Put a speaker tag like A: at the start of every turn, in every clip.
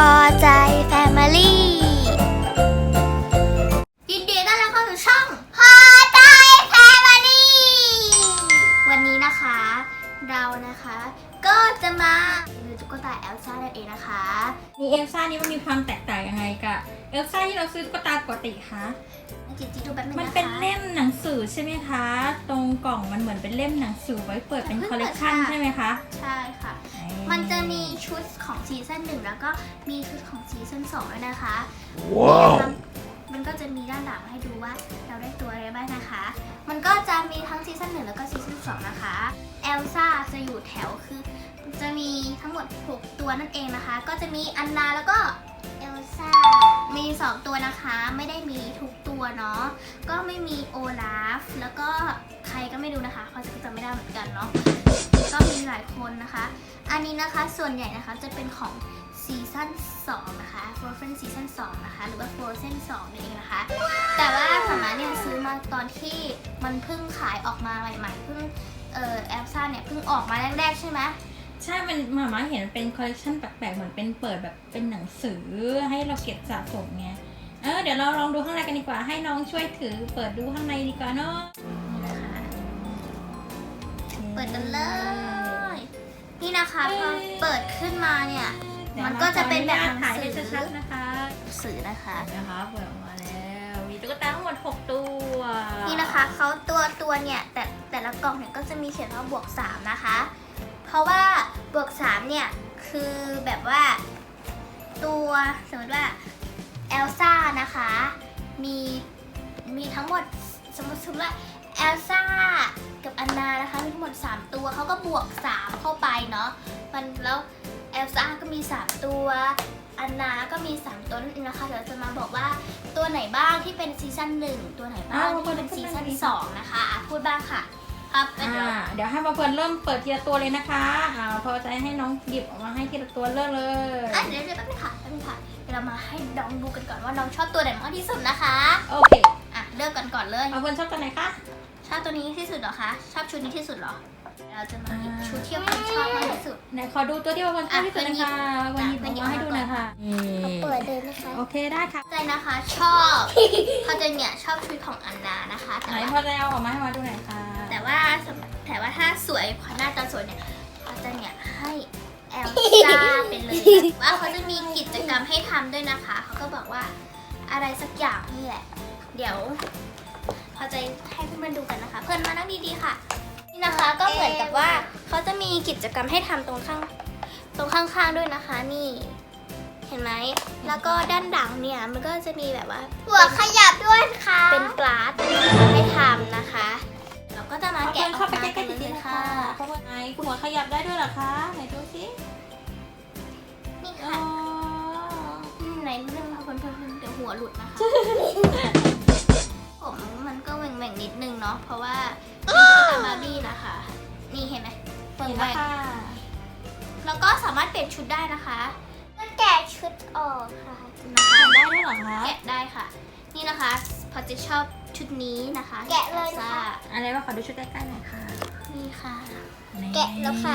A: อใจแฟมิลี่ยินดีต้อนรับเข้าสู่ช่องพอใจแฟมิลี่วันนี้นะคะเรานะคะก็จะมาดูตุ๊กตาเอลซ่านั่นเองนะคะ
B: นี่เอลซ่านี่มันมีความแตกต่างยังไงกับเอลซ่าที่เราซื้อตุ๊กตาปกติคะ
A: จิตดูแบบนึงนะคะ
B: มันเป็นเล่มหนังสือใช่ไหมคะตรงกล่องมันเหมือนเป็นเล่มหนังสือไว้เปิดเป็นคอลเลกชันใช่ไหมคะ
A: ใช่ค่ะมันจะมีชุดของซีซั่น1แล้วก็มีชุดของซีซั่น2ด้วยนะคะว้าวมันก็จะมีด้านหลังให้ดูว่าเราได้ตัวอะไรบ้างนะคะมันก็จะมีทั้งซีซั่น1แล้วก็ซีซั่น2นะคะเอลซ่าจะอยู่แถวคือจะมีทั้งหมด6ตัวนั่นเองนะคะก็จะมีอันนาแล้วก็เอลซ่ามี2ตัวนะคะไม่ได้มีทุกตัวเนาะก็ไม่มีโอลาฟแล้วก็ใครก็ไม่รู้นะคะเขาจะจำไม่ได้เหมือนกันเนาะก็มีหลายคนนะคะอันนี้นะคะส่วนใหญ่นะคะจะเป็นของซีซั่น2นะคะ Frozen ซีซั่น2นะคะหรือว่า Frozen 2นี่เองนะคะแต่ว่าสมัยเนี่ยซื้อมาตอนที่มันเพิ่งขายออกมาใหม่ๆเพิ่งเอลซ่าเนี่ยเพิ่งออกมาแรกๆใช่ไหม
B: ใช่มันหมาเห็นเป็นคอลเลกชันแปลกๆเหมือนเป็นเปิดแบบเป็นหนังสือให้เราเก็บสะสมไงเดี๋ยวเราลองดูข้างในกันดีกว่าให้น้องช่วยถือเปิดดูข้างในดีกว่าเนาะ
A: เปิดกันเลยนี่นะคะพอเปิดขึ้นมาเนี่ยมันก็จะเป็นแบบหนังสือ
B: นะคะ
A: สื่อนะคะ
B: เปิดออกมาแล้วมีตุ๊กตาทั้งหมด6ตัว
A: นี่นะคะเขาตัวเนี่ยแต่ละกล่องเนี่ยก็จะมีเขียนว่าบวก3นะคะเพราะว่าบวก3เนี่ยคือแบบว่าตัวสมมติว่าเอลซ่านะคะมีทั้งหมดสมมติว่าเอลซ่ากับอันนานะคะมีทั้งหมด3ตัวเขาก็บวก3เข้าไปเนาะมันแล้วเอลซ่าก็มี3ตัวอันนาก็มี3ตัวนั่นเองนะคะเดี๋ยวจะมาบอกว่าตัวไหนบ้างที่เป็นซีซั่น1ตัวไหนบ้างที่เป็นซีซั่น2นะคะพูดบ้างค่ะครับ
B: เดี๋ยวให้มาเพื่อนเริ่มเปิดทีละตัวเลยนะคะพอใจให้น้องหยิบออกมาให้ทีละตัวเริ่มเลย
A: เดี๋ยวแป๊บนึงค่ะเดี๋ยวเรามาให้น้องดูกันก่อนว่าน้องชอบตัวไหนมากที่สุดนะคะ
B: โอเค
A: เริ่มกันก่อนเลย
B: เพื่อนชอบตัวไหนคะ
A: ชอบตัวนี้ที่สุดเหรอคะชอบชุดนี้ที่สุดเหรอเราจะมาหยิบชุดที่เพื่อนชอบมากที่สุด
B: ไหนขอดูตัวที่เพื่อนชอบที่สุดนะคะวันนี้ผมมาให้ดูหน่อยค่ะ
A: เปิดเลยนะคะ
B: โอเคได้ค่ะ
A: ใจนะคะชอบเขาจะเนี่ยชอบชุดของอันนานะคะ
B: ไหนพอจะเอาออกมาให้มาดูหน่อยค่ะ
A: แต่ว่าถ้าสวยหน้าตาสวยเนี่ยเขาจะเนี่ยให้เอลซ่าเป็นเลยว่าเขาจะมีกิจกรรมให้ทำด้วยนะคะเขาก็บอกว่าอะไรสักอย่างนี่แหละเดี๋ยวพอจะให้เพื่อนๆดูกันนะคะเพื่อนมานั่งดีๆค่ะนี่นะคะก็เหมือนกับว่าเขาจะมีกิจกรรมให้ทำตรงข้างๆด้วยนะคะนี่เห็นไหมแล้วก็ด้านหลังเนี่ยมันก็จะมีแบบว่าหัวขยับด้วยค่ะเป็นปลาสให้ทำนะคะเราก็จะมาแกะออกมากันเลยค่ะ
B: ไหนหัวขยับได้ด้วยเหรอคะไหนดูสิ
A: นี่ค่ะไหนเรื่องเพิ่มเดี๋ยวหัวหลุดนะคะผมมันก็แหว่งนิดนึงเนาะเพราะว่าเป็นบาร์บี้นะคะนี่เห็นไหม
B: แหว่ง
A: แล้วก็สามารถเปลี่ยนชุดได้นะคะแกะชุดออกค่ะ
B: นะคะได้ด้วยเหรอคะ
A: แกะได้ค่ะนี่นะคะพอจะชอบชุดนี้นะคะแกะเลยค่ะ
B: อะไรว่าขอดูชุดใกล้ๆหน่อยค่ะ
A: นี่ค่ะแกะแล้วค่ะ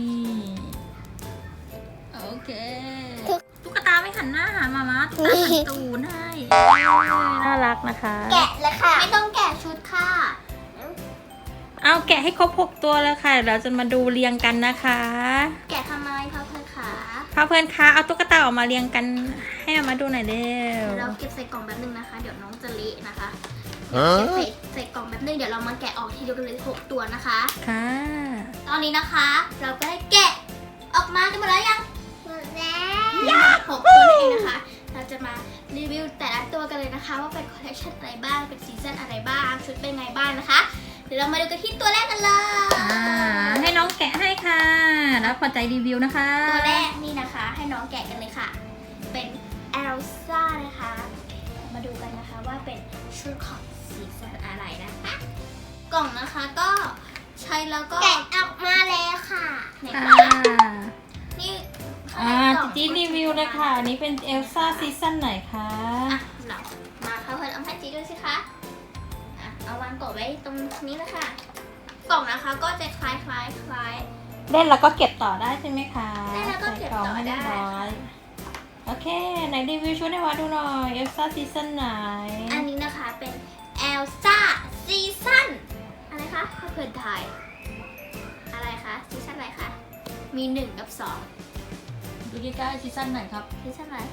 B: โอเคตุ๊กตาไม่หันหน้าหามาตุ๊กตาหันตูนให้น่ารักนะคะ
A: แกะแล้วค่ะไม่ต้องแกะชุดค่ะ
B: เอาแกะให้ครบ6ตัวแล้วค่ะเราจะมาดูเรียงกันนะคะ
A: แกะทำไมพ่อเพื่อนคะ
B: เอาตุ๊กตาออกมาเรียงกันให้มาดูหน่อยเร็ว
A: เราเก็บใส่กล่องแบบนึงนะคะเดี๋ยวน้องจะเละนะคะเก็บใส่กล่องแบบนึงเดี๋ยวเรามาแกะออกทีเดียวกันเลย6ตัวนะคะ
B: ค่ะ
A: ตอนนี้นะคะเราก็ได้แกะออกมากันหมดแล้วยังหมดแล้ว6ตัวนั่นเองนะคะเราจะมารีวิวแต่ละตัวกันเลยนะคะว่าเป็นคอลเลคชันอะไรบ้างเป็นซีซั่นอะไรบ้างชุดเป็นไงบ้างนะคะเดี๋ยวเรามาดูกันที่ตัวแรกกันเลย
B: ให้น้องแกะให้ค่ะแล้วพอใจรีวิวนะคะ
A: ตัวแรกนี่นะคะให้น้องแกะกันเลยค่ะเป็นเอลซ่านะคะมาดูกันนะคะว่าเป็นชุดของซีซั่นอะไรนะคะกล่องนะคะก็ใช้แล้วก็แกะออกมาแล้วค่ะนี่
B: จีรีวิวเลยค่ะนี่เป็นเอลซ่าซีซั่นไหนคะ
A: เรามาค่ะเพื่อนเอาให้จีดูสิคะเอาวางกล่องไว้ตรงนี้นะคะกล่องนะคะก็จะคล้าย
B: เล่นแล้วก็เก็บต่อได้ใช่ไหมคะ
A: เล่นแล้วก็เก็บต่อได้
B: โอเคเคไหนรีวิวชุดให้วาดูหน่อยเอลซ่าซีซั่นไหน
A: อันนี้นะคะเป็นเอลซ่าซีซั่นอะไรคะถ้าเพื่อนไทยอะไรคะซีซั่นอะไรคะมี1 กับ 2
B: ดูใกล้ๆซีซั่นไหนครับ
A: ซีซั่นอะไร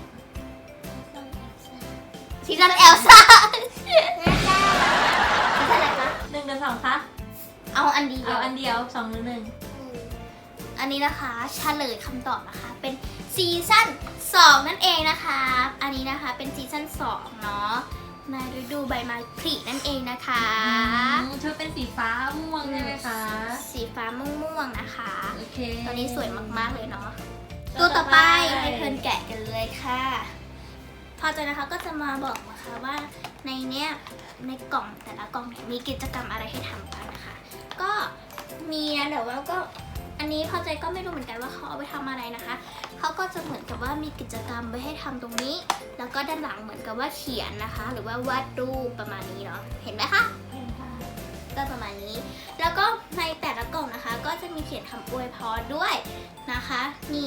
A: ซีซั่นเอลซ่าซีซั่นอะไรคะ
B: 1 กับ 2คะ
A: เอาอันเดียว
B: เอาอันเดียว2หรือ1
A: อันนี้นะคะเฉลยคำตอบนะคะเป็นซีซั่น2นั่นเองนะคะอันนี้นะคะเป็นซีซั่น2เนาะในฤดูใบไม้ผลินั่นเองนะคะ
B: ชุดเป็นสีฟ้าม่วงใช่ไหมคะ
A: สีฟ้าม่วงๆนะคะ
B: โอเค
A: ตัวนี้สวยมากๆเลยเนาะตัวต่อไปให้เพื่อนแกะกันเลยค่ะพอใจนะคะก็จะมาบอกนะคะว่าในเนี้ยในกล่องแต่ละกล่องเนี่ยมีกิจกรรมอะไรให้ทำกันนะคะ ก็มีนะแต่ว่าก็อันนี้พอใจก็ไม่รู้เหมือนกันว่าเขาเอาไปทำอะไรนะคะเขาก็จะเหมือนกับว่ามีกิจกรรมไว้ให้ทำตรงนี้ แล้วก็ด้านหลังเหมือนกับว่าเขียนนะคะ หรือว่าวาดรูปประมาณนี้เนาะเห็นไหมคะ
B: เห็นค่ะ
A: ก็ประมาณนี้ แล้วก็ในแต่ละกล่องนะคะ ก็จะมีเขียนคำอวยพรด้วยนะคะนี่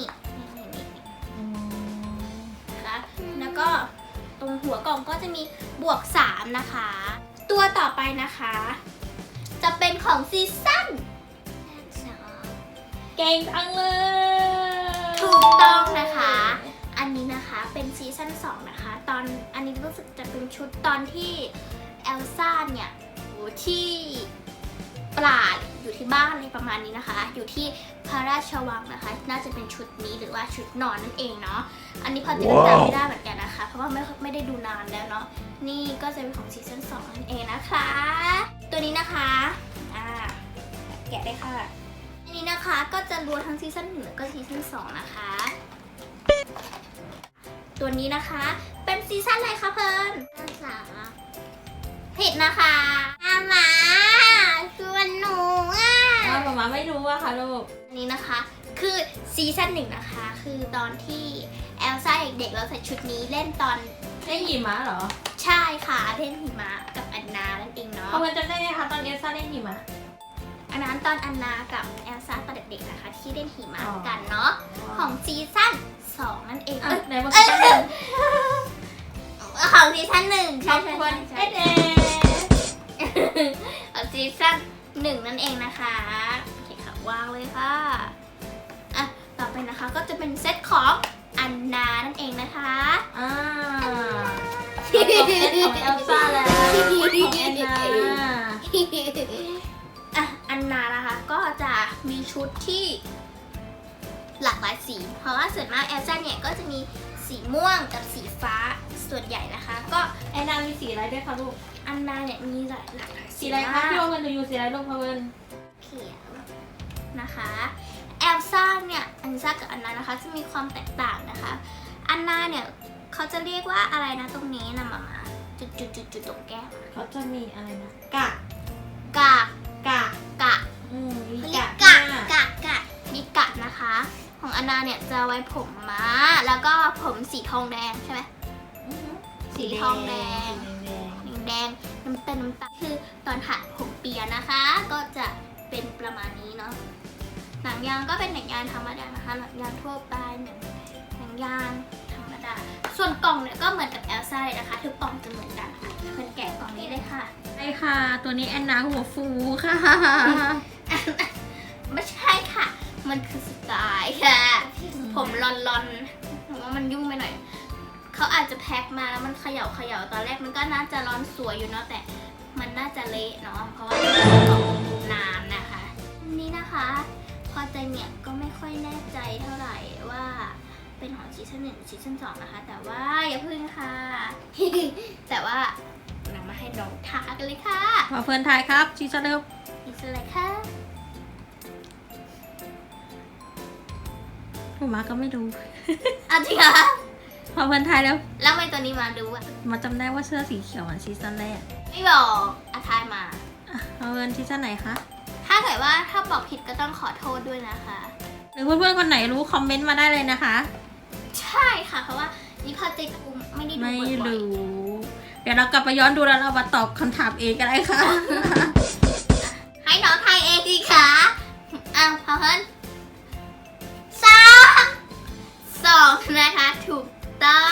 A: นะคะ แล้วก็ตรงหัวกล่องก็จะมีบวก3นะคะ ตัวต่อไปนะคะ จะเป็นของซีซั่น
B: เก่งจังเลย
A: ถูกต้องนะคะ อันนี้นะคะเป็นซีซั่น2นะคะตอนอันนี้รู้สึกจะเป็นชุดตอนที่เอลซ่าเนี่ยอยู่ที่ปราดอยู่ที่บ้านอะไรประมาณนี้นะคะ อยู่ที่พระราชวังนะคะ น่าจะเป็นชุดนี้หรือว่าชุดนอนนั่นเองเนาะอันนี้พอจะจำไม่ได้เหมือนกันนะคะ เพราะว่าไม่ได้ดูนานแล้วเนาะนี่ก็จะเป็นของซีซั่น2นั่นเองนะคะ ตัวนี้นะคะแกะได้ค่ะอันนี้นะคะก็จะรวมทั้งซีซั่น1แล้วก็ซีซั่น2นะคะตัวนี้นะคะเป็นซีซั่นอะไรคะเพิ่นซีซั่น3ผิดนะคะหมาชวนหนู
B: หมาไม่รู้อะค่ะลูก
A: อันนี้นะคะคือซีซั่น1นะคะคือตอนที่เอลซ่าเด็กๆเราใส่ชุดนี้เล่นตอน
B: เล่นหิมะเหรอ
A: ใช่ค่ะเล่นหิมะกับอันนานั่นเองเนาะ
B: เพราะมันจะได้ไหมคะตอนเอลซ่าเล่นหิมะ
A: อันนั้นตอนอันนากับเอลซ่าตอนเด็กๆนะคะที่เล่นหิมะกันเนาะของซีซั่น2นั่นเอง
B: ไหนบอกซีซั่นหนึ่ง
A: ของซีซั่น1ใช่
B: เอ๊ะ
A: ของซีซั่น1นั่นเองนะคะโอเคค่ะวางเลยค่ะอ่ะต่อไปนะคะก็จะเป็นเซตของอันนานั่นเองนะคะ
B: ของเอลซ่าแล้วของแอนนา
A: อันนานะคะก็จะมีชุดที่หลากหลายสี เพราะว่าส่วนมากเอลซ่าเนี่ยก็จะมีสีม่วงกับสีฟ้าส่วนใหญ่นะคะ ก็
B: แอนนามีสีอะไรด้วยคะลูก
A: อันนาเนี่ยมีหลากหลาย
B: สีอะไรคะพี่โอเงินดูอยู่สีอะไรลูกพะเวิน
A: เขียวนะคะเอลซ่าเนี่ยอันซ่ากับอันนานะคะจะมีความแตกต่างนะคะ อันนาเนี่ยเขาจะเรียกว่าอะไรนะตรงนี้นะมาจุดตรงแก้ม
B: เขาจะมีอะไรนะกะ
A: กะ
B: มี
A: เขาเรีย
B: กะ
A: กกะมีกะนะคะ ของอันนาเนี่ยจะไว้ผมม้าแล้วก็ผมสีทองแดงใช่ไหมสีทองแดงน้ำตาลคือตอนหัดผมเปียนะคะ ก็จะเป็นประมาณนี้เนาะหนังยางก็เป็นหนังยางธรรมดานะคะหนังยางทั่วไปหนังยางธรรมดาส่วนกล่องเนี่ยก็เหมือนกับเอลซ่าเลยนะคะทุกกล่องจะเหมือนกันค่ะเพื่อนแกะกล่องนี้เลยค่ะ
B: ใช่ค่ะ ตัวนี้แอนนาหัวฟูค่ะ
A: ไม่ใช่ค่ะ มันคือสไตล์ค่ะ ผมลอนๆผมว่ามันยุ่งไปหน่อย เขาอาจจะแพ็คมาแล้วมันเขย่าตอนแรกมันก็น่าจะร้อนสวยอยู่เนาะแต่มันน่าจะเละเนาะเพราะว่ามันนานนะคะนี่นะคะพอใจเนี่ยก็ไม่ค่อยแน่ใจเท่าไหร่ว่าเป็นของซีซั่น1ซีซั่น2นะคะแต่ว่าอย่าพึ่งค่ะ แต่ว่านำมาให้น้องทากันเลยค่ะ
B: มาเฟิร์นทายครับชีสเร็ว
A: นี่คืออะไรคะ
B: ผมมาก็ไม่รู้
A: เอาจริงเหรอ
B: พอเฟิร์นทายแล้ว
A: แล้วทำไมตัวนี้มาดูอ่ะ
B: มาจำได้ว่าเสื้อสีเขียวเหมือนซีซั่นแรก
A: ไม่บอกอาทายมา
B: พอเฟิร์นซีซั่นไหนคะ
A: ถ้าเกิดว่าถ้าบอกผิดก็ต้องขอโทษด้วยนะคะ
B: หรือเพื่อนๆคนไหนรู้คอมเมนต์มาได้เลยนะคะ
A: ใช่ค่ะ เพราะว่านี่พอใจกูไม่ได้ดู
B: ไม่
A: บ่อย
B: รู้ เดี๋ยวเรากลับไปย้อนดูแล้วเรามาตอบคำถามเองก็ได้ค่ะ
A: ๆให้น้องทายเองดีค่ะพอเพิ่น2นะคะถูกต้อง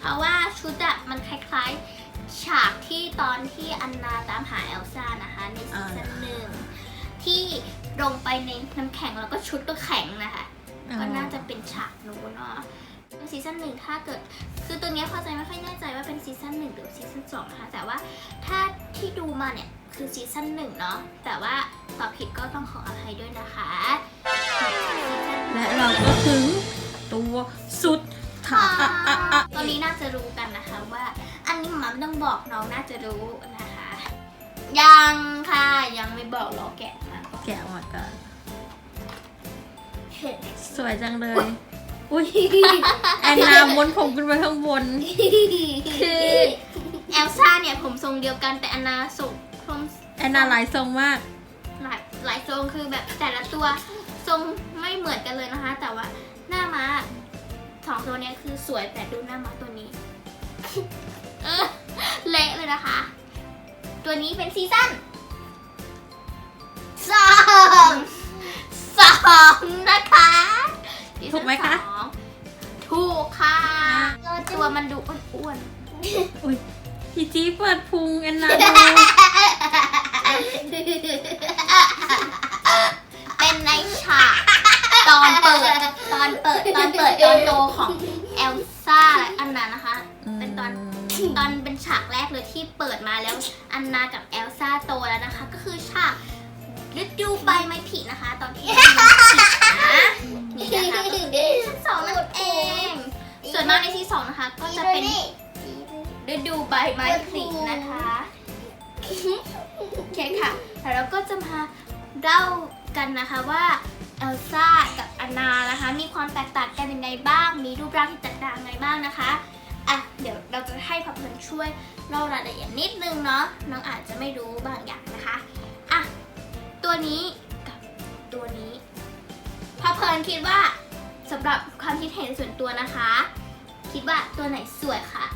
A: ราะว่าชุดอะมันคล้ายๆฉากที่ตอนที่อันนาตามหาเอลซ่านะคะในซีซั่นหนึ่งที่ลงไปในน้ำแข็งแล้วก็ชุดก็แข็งนะคะก็น่าจะเป็นฉากนู้นเนาะซีซั่นหนึ่งถ้าเกิดคือตัวเนี้ยเข้าใจไม่ค่อยแน่ใจว่าเป็นซีซั่นหนึ่งหรือซีซั่นสองนะคะแต่ว่าถ้าที่ดูมาเนี่ยคือซีซั่นหนึ่งเนาะแต่ว่าตอบผิดก็ต้องขออภัยด้วยนะคะ
B: และเราก็ถึงตัวสุดท้าย
A: ตอนนี้น่าจะรู้กันนะคะว่าอันนี้หมาไม่ต้องบอกน้องน่าจะรู้นะคะยังค่ะยังไม่บอกรอแกะมาก่อน
B: แกะออกมาก่อน
A: เห็น
B: สวยจังเลย อุ้ยแอนนาม้วนผมขึ้นไปข้างบน
A: คือเอลซ่าเนี่ยผมทรงเดียวกันแต่อันนาทรงผม
B: แอนนาหลายทรงมาก
A: หลายทรงคือแบบแต่ละตัวทรงไม่เหมือนกันเลยนะคะ แต่ว่าหน้าม้าสองตัวเนี้ยคือสวยแต่ดูหน้าม้าตัวนี้ เละเลยนะคะ ตัวนี้เป็นซีซั่นสองนะคะ
B: ถูกไหมคะ
A: ซีซั่นสองถูกค่ะตัวมันดูอ้วน
B: อุ้ยพี่จี๊เปิดพุงแอนนา
A: ๆ
B: ดู
A: เป็นในฉากตอนเปิดตอนโตของเอลซ่าและอันนานะคะ เป็นตอนเป็นฉากแรกเลยที่เปิดมาแล้วอันนากับเอลซ่าโตแล้วนะคะ ก็คือฉากฤดูใบไม้ผลินะคะ ตอนที่มันผลินะนี่นะคะก็คือซีซั่นสองนั่นเอง ส่วนมากในซีซั่นสองนะคะ ก็จะเป็นฤดูใบไม้ผลินะคะโอเคค่ะแล้วเราก็จะมาเล่ากันนะคะว่าเอลซ่ากับอันนานะคะมีความแตกต่างกันยังไงบ้างมีรูปร่างที่แตกต่างยังไงบ้างนะคะอ่ะเดี๋ยวเราจะให้พับเพลินช่วยเล่ารายละเอียดนิดนึงเนาะน้องอาจจะไม่รู้บางอย่างนะคะอ่ะตัวนี้กับตัวนี้พับเพลินคิดว่าสำหรับความคิดเห็นส่วนตัวนะคะ คิดว่าตัวไหนสวยคะ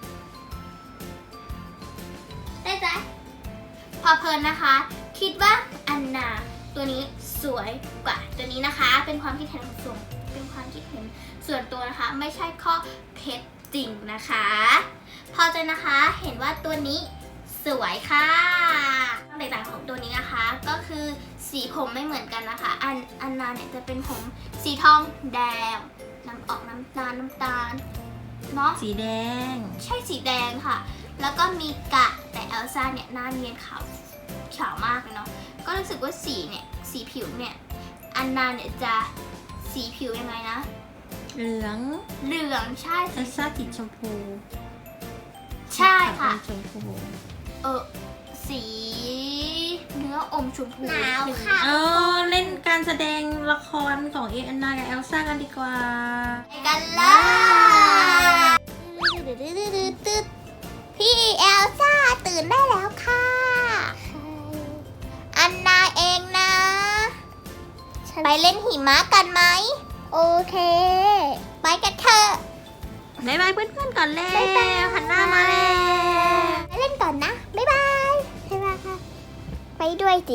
A: ได้ไหมพับเพลินนะคะ คิดว่าอันนาตัวนี้สวยกว่าตัวนี้นะคะ เป็นความคิดเห็นส่วนส่วนตัวนะคะ ไม่ใช่ข้อเท็จจริงนะคะพอใจนะคะเห็นว่าตัวนี้สวยค่ะความแตกต่างของตัวนี้นะคะ ก็คือสีผมไม่เหมือนกันนะคะ อันนาเนี่ยจะเป็นผมสีทองแดงออกน้ำตาลเนาะ
B: สีแดง
A: ใช่สีแดงค่ะ แล้วก็มีกะแต่เอลซ่าเนี่ยหน้าเนียนขาวมากเลยเนาะก็รู้สึกว่าสีผิวเนี่ยอันนาเนี่ยจะสีผิวยังไงนะ
B: เหลือง
A: ใช่
B: เอลซ่าติดชมพู
A: ใช่ค่ะ
B: ชมพู
A: สีเนื้ออมชมพู
C: หนาวค่ะ
B: เล่นการแสดงละครของแอนนากับเอลซ่ากันดีกว่า
A: ไปกันเลยพี่เอลซ่าตื่นได้แล้วค่ะ อันนาเองนะ ไปเล่นหิมะกันไหม
C: โอเค
A: ไปกันเถอะ
B: บ๊ายบายเพื่อนๆก่อนแล้ว
C: บ๊ายบาย
B: หันหน้ามาแล้ว
C: ไปเล่นก่อนนะ บ๊ายบายบ๊ายบายค่ะ ไปด้วยสิ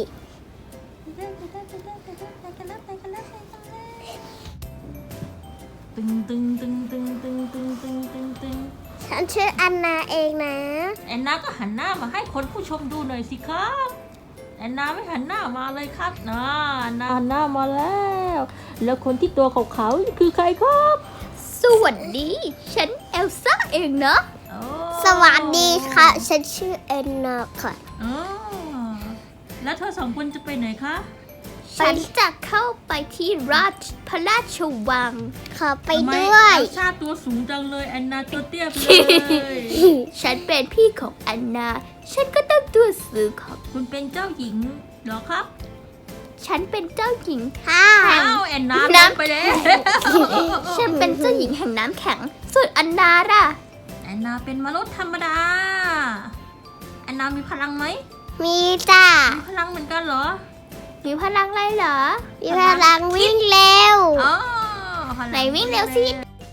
B: ตึง
C: ฉันชื่ออันนาเองนะ
B: แอนนาก็หันหน้ามาให้คนผู้ชมดูหน่อยสิครับแอนนาไม่หันหน้ามาเลยครับนะแอนนาหันหน้ามาแล้ว แล้วคนที่ตัวขาวๆคือใครครับ
A: สวัสดี ฉันเอลซ่าเองนะ
B: โอ้
C: สวัสดีค่ะ ฉันชื่อแอนนาค่ะ
B: อ๋อแล้วเธอสองคนจะไปไหนคะ
A: ฉันจะเข้าไปที่พระราชวัง
C: ขอไป
B: ทำม
C: ด้วย
B: เอลซ่าตัวสูงจังเลยแอนนาตัวเตี้ยไปเลย
A: ฉันเป็นพี่ของอันนา ฉันก็ต้องตัวสูงของ
B: คุณเป็นเจ้าหญิงเหรอครับ
A: ฉันเป็นเจ้าหญิง
C: ค่ะ
B: อ้าวแอนนาลงไปแล้ว
A: ฉันเป็นเจ้าหญิงแห่งน้ำแข็ง ส่วนอันนาล่ะ
B: แอนนาเป็นมนุษย์ธรรมดาแอนนามีพลังไหม
C: มีจ้า
B: มีพลังเหมือนกันเหรอ
A: มีพลังอะไรเหรอ
C: มีพลังวิ่งเร็ว
B: อ๋อพลัง
A: ไหนวิ่งเร็วสิ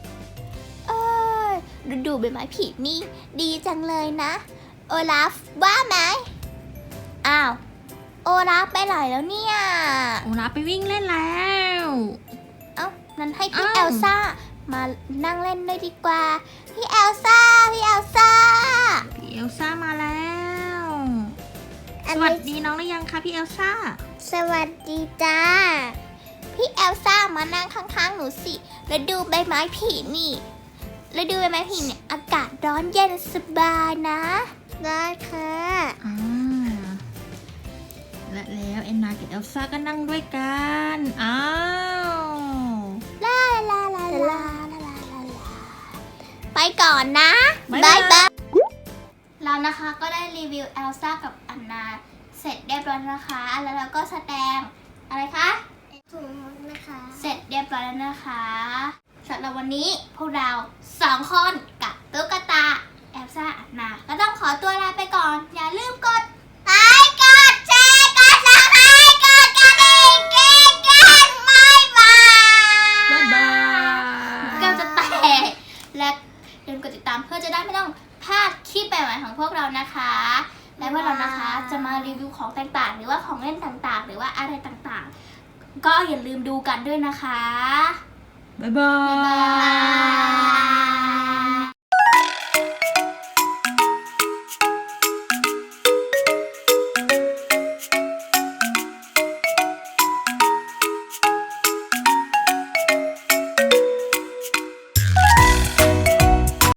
A: ฤดูใบไม้ผลินี่ดีจังเลยนะ โอลาฟว่าไหมอ้าว โอลาฟไปไหนแล้วเนี่ย
B: โอลาฟไปวิ่งเล่นแล้ว
A: เอ้านั้นให้พี่
B: อ้าว
A: เอลซ่ามานั่งเล่นด้วยดีกว่าพี่เอลซ่าพี่เอลซ่า
B: พี่เอลซ่ามาแล้ว สวัสดีน้องหรือยังคะพี่เอลซ่า
C: สวัสดีจ้า
A: พี่เอลซ่ามานั่งข้างๆหนูสิแล้วดูใบไม้ผลินี่แล้วดูใบไม้ผลิเนี่ยอากาศร้อนเย็นสบายนะ
C: ได้ค่ะ
B: อ่าและแล้วแอนนากับเอลซ่าก็นั่งด้วยกัน อ้าว
A: ลาลาลาลาลาลาลาลาไปก่อนนะ
B: บ๊าย
A: บา
B: บาย ย
A: บายเรานะคะก็ได้รีวิวเอลซ่ากับอันนาเสร็จเรียบร้อยแล้วนะคะแล้วเราก็แสดงอะไรคะ
C: ถุงนะคะ
A: เสร็จเรียบร้อยแล้วนะคะสำหรับวันนี้พวกเรา2 คนกับตุ๊กตาเอลซ่าอันนาก็ต้องขอตัวลาไปก่อน อย่าลืมกดไลค์กดแชร์กดซับสไครต์กดกระดิ่งกิ๊งกิ๊งบ๊ายบาย
B: บ๊ายบาย
A: แก้วจะแตกและอย่าลืมกดติดตามเพื่อจะได้ไม่ต้องพลาดคลิปใหม่ๆของพวกเรานะคะ และพวกเรานะคะจะมารีวิวของต่างๆ หรือว่าของเล่นต่างๆ หรือว่าอะไรต่างๆ ก็อย่าลืมดูกันด้วยนะคะ
B: บ๊ายบา
A: บ๊ายบาย ย